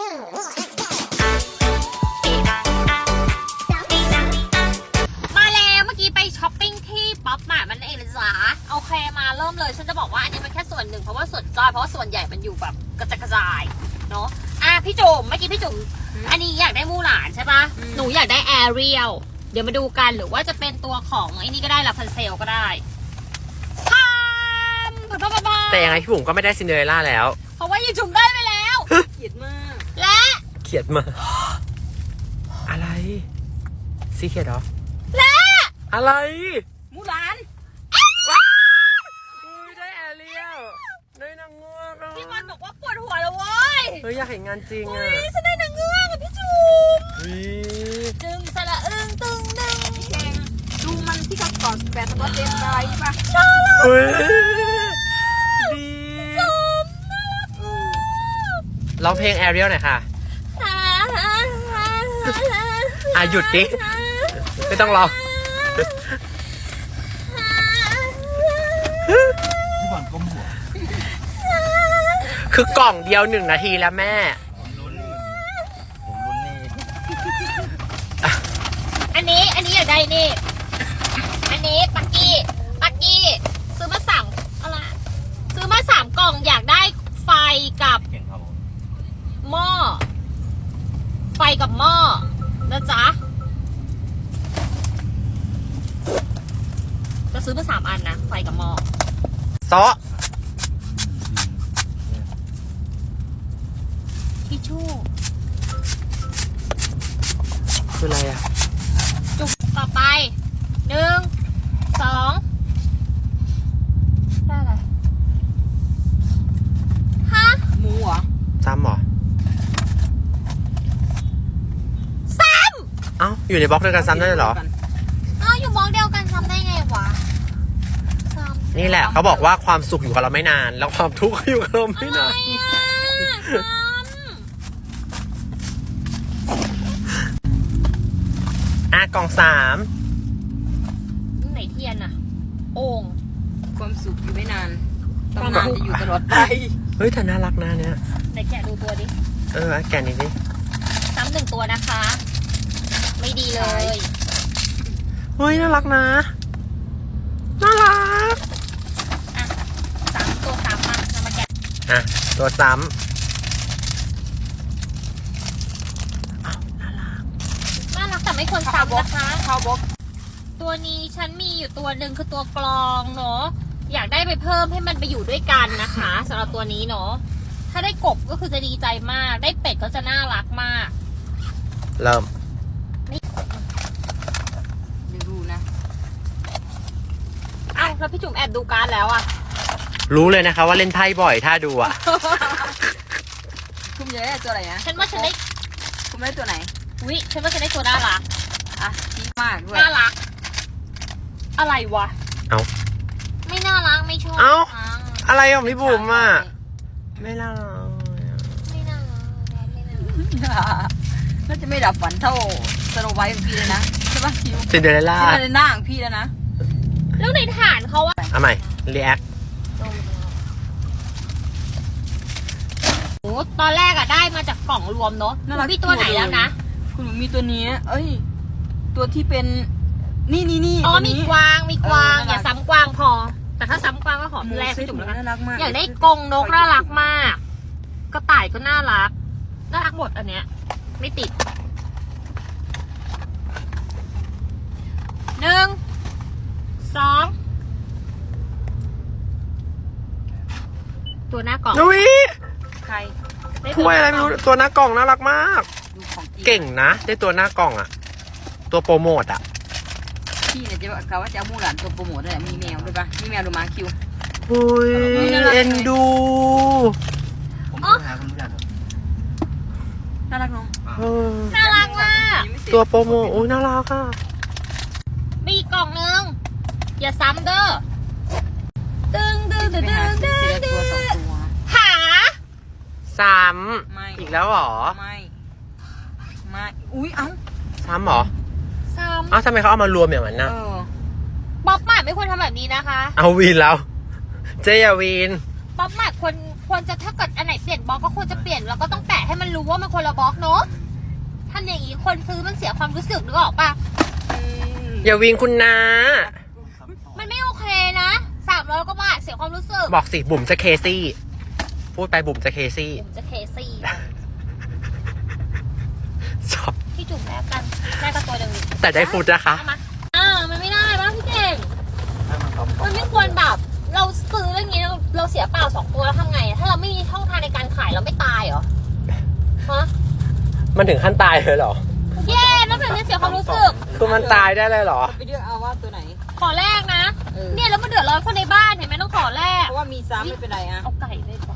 แล้วเมื่อกี้ไปช้อปปิ้งที่ป๊อปมาร์ทมันเองนะจ๊ะโอเคมาเริ่มเลยฉันจะบอกว่าอันนี้มันแค่ส่วนหนึ่งเพราะว่าส่วนจอยเพราะว่าส่วนใหญ่มันอยู่แบบกระจายเนาะพี่จุ๋มเมื่อกี้พี่จุ๋มอันนี้อยากได้มูหลานใช่ปะหนูอยากได้แอเรียลเดี๋ยวมาดูกันหรือว่าจะเป็นตัวของไอ้นี่ก็ได้ลาพันเซลก็ได้แต่ยังไงพี่บุ๋มก็ไม่ได้ซินเดอเรลล่าแล้วเพราะว่ายีจุ๋มได้ไปแล้วเกลียดมากและเขียดมาอะไรซีเขียดเหรอและอะไรมูหลานได้แอเรียลได้นางเงือกพี่บอลบอกว่าปวดหัวแล้วเว้ยอยากเห็นงานจริงอ่ะฉันได้นางเงือกพี่จุ๋มจึงสละอึ้งตึงหนึ่งแข่งดูมันที่เขาก่อนแปดสกอตเต็มได้ปะดีร้องเพลงแอเรียลหน่อยค่ะหยุดดิไม่ต้องร้องพี่บอลก้มหัวคือกล่องเดียว1 นาทีแล้วแม่ผมลุ้นนี่อันนี้อยากได้นี่อันนี้ปักกี้ซื้อมา3อะไรซื้อมา3 กล่องอยากได้ไฟกับหม้อไฟกับหม้อนะจ๊ะจะซื้อมา3 อันนะไฟกับหม้อซอทิชชู่คืออะไรอ่ะจุกต่อไป1 2ได้อะไรฮะหมูเหรอซ้ำเหรอเอ้าอยู่ในบล็อกเดียวกันซ้ำได้เหรออยู่บล็อกเดียวกันซ้ำได้ไงวะนี่แหละเขาบอกว่าความสุขอยู่กับเราไม่นานแล้วความทุกข์อยู่กับเราไม่นานกล่อง3 ไหนเทียนอะโอ่งความสุขอยู่ไม่นานตำนานจะอยู่ตลอดไปเฮ้ยแต่น่ารักนะเนี่ยไหนแกะดูตัวดิแกะนิดดิซ้ำ1 ตัวนะคะไม่ดีเลยเฮ้ยน่ารักนะน่ารักตัวซ้ำมาแกะตัวซ้ำน่ารักแต่ไม่ควรซ้ำนะคะข้าวบกตัวนี้ฉันมีอยู่ตัวหนึ่งคือตัวกลองเนาะอยากได้ไปเพิ่มให้มันไปอยู่ด้วยกันนะคะสำหรับตัวนี้เนาะถ้าได้กบก็คือจะดีใจมากได้เป็ดก็จะน่ารักมากเริ่มเดี๋ยวดูนะแล้วพี่จุ๋มแอบดูการ์ดแล้วอะรู้เลยนะคะว่าเล่นไพ่บ่อยถ้าดูอะคุณจะได้ตัวอะไรนะฉันว่าฉันได้คุณได้ตัวไหนฉันว่าฉันได้ตัวน่ารักดีมากด้วยน่ารักอะไรวะไม่น่ารักไม่ชอบอะไรของพี่บุ๋มอะไม่น่ารักน่าจะไม่ดับฝันเท่าสโนไวท์ของพี่เลยนะใช่ปะคิวซินเดอเรลล่าในหน้าของพี่แล้วนะแล้วในฐานเขาว่าเอาใหม่รีแอคตอนแรกได้มาจากกล่องรวมเนาะมีตัวไหนแล้วนะคุณมีตัวนี้ตัวที่เป็นนี่มีกวางอย่าซ้ำกวางพอแต่ถ้าซ้ำกวางก็หอมแรกพี่จุ๋มแล้วกันอยากได้กรงนกน่ารักมากกระต่ายก็น่ารักหมดอันเนี้ยไม่ติด1 2ตัวหน้ากล่องใครถ้วยอะไรไม่รู้ตัวหน้ากล่องน่ารักมากเก่งนะได้ตัวหน้ากล่องอะตัวโปรโมทอะพี่เนี่ยจะกล่าวว่าจะเอามูหลานตัวโปรโมทได้มีแมวด้วยปะมีแมวหรือหมาคิวอุ้ยเอ็นดูน่ารักน้องน่ารักมากตัวโปรโมทน่ารักอ่ะมีกล่องนึงอย่าซ้ำเด้อหาซ้ำอีกแล้วหรอไม่ซ้ำหรอทำไมเขาเอามารวมอย่างนั้นนะป๊อปมาร์ทไม่ควรทำแบบนี้นะคะเอาวีนแล้วเจยาวีนป๊อปมาร์ทควรควรจะถ้าเกิดอันไหนเปลี่ยนบล็อกก็ควรจะเปลี่ยนแล้วก็ต้องแปะให้มันรู้ว่ามันคนละบล็อกเนาะทำอย่างนี้คนซื้อมันเสียความรู้สึกนึกออกปะอย่าวิงคุณนะมันไม่โอเคนะ300 กว่าบาทเสียความรู้สึกบอกสิบุ๋มจะเคซี่ พูดไปบุ๋มจะเคซี่ผมจะเคซี่ชอบพี่จุ่มแลกกันแลกกันตัวหนึ่งแต่ได้ฟูดนะคะเอามามันไม่ได้ป่ะพี่เก่งให้มันทำมันไม่ควรแบบ เราซื้ออย่างนี้เราเสียเปล่า2 ตัวแล้วทำไงถ้าเราไม่มีช่องทางในการขายเราไม่ตายเหรอฮะมันถึงขั้นตายเลยเหรอแย่แล้วแบบนี้เสียความรู้สึกคือมันตายได้เลยเหรอไปเลือกเอาว่าตัวไหนขอแลกนะเออเนี่ยแล้วมันเดือดร้อนคนในบ้านเห็นไหมต้องขอแลกเพราะว่ามีซ้ำไม่เป็นไรอะเอาไก่เลย